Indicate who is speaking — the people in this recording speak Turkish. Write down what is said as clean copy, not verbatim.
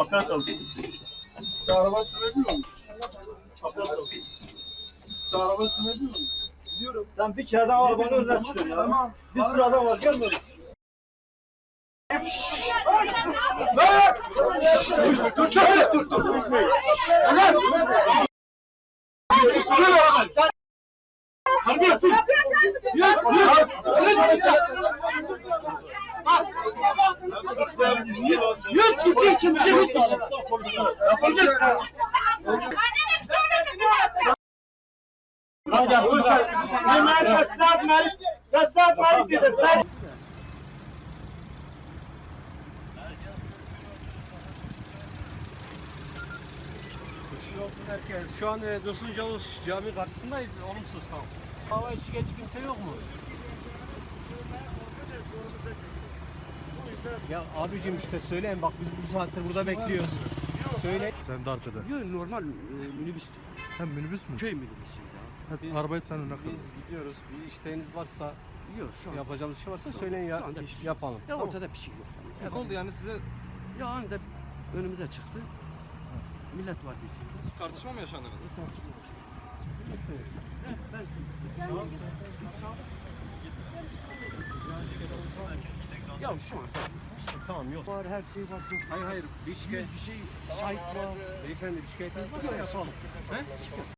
Speaker 1: Abdest al. Sen araba sürebiliyor musun? Abdest al. Sen araba sürebiliyor musun? Biliyorum.
Speaker 2: Sen bir kere daha arabanın önüne çıkıyorsun ya. Tamam. Bir sürü adam var, gelmiyor.
Speaker 1: Dur. Terbiyesiz. Yüz kişi için. Yüz kişi. Yapacaksın.
Speaker 3: Herkes. Şu an Dursun Cavuş Cami karşısındayız. Olumsuz tamam. Hava şikayetçi kimse yok mu? Ya abicim işte söyleyin bak biz bu saattir burada bekliyoruz. Söyle.
Speaker 4: Sen de arkada.
Speaker 5: Yok normal minibüs.
Speaker 4: Hem minibüs mü?
Speaker 5: Köy minibüsü ya.
Speaker 4: Biz, arabayı sen önüne koy.
Speaker 3: Biz gidiyoruz. Bir isteğiniz varsa,
Speaker 5: Yok şu an.
Speaker 3: yapacağımız şey varsa söyleyin ya
Speaker 5: anda bir şey yok.
Speaker 3: yapalım.
Speaker 5: Ya ortada bir şey yok.
Speaker 6: Ya ne oldu yani size
Speaker 5: Ya anında önümüze çıktı. Millet vardı içinde.
Speaker 6: tartışma mı yaşandınız?
Speaker 3: Siz misiniz?
Speaker 5: Evet ben Ya şu an
Speaker 3: Tamam yok.
Speaker 5: var her şey var.
Speaker 3: Hayır bir şikayet.
Speaker 5: 100 kişi şahit var.
Speaker 3: Beyefendi bir şikayetiniz varsa yapalım. He?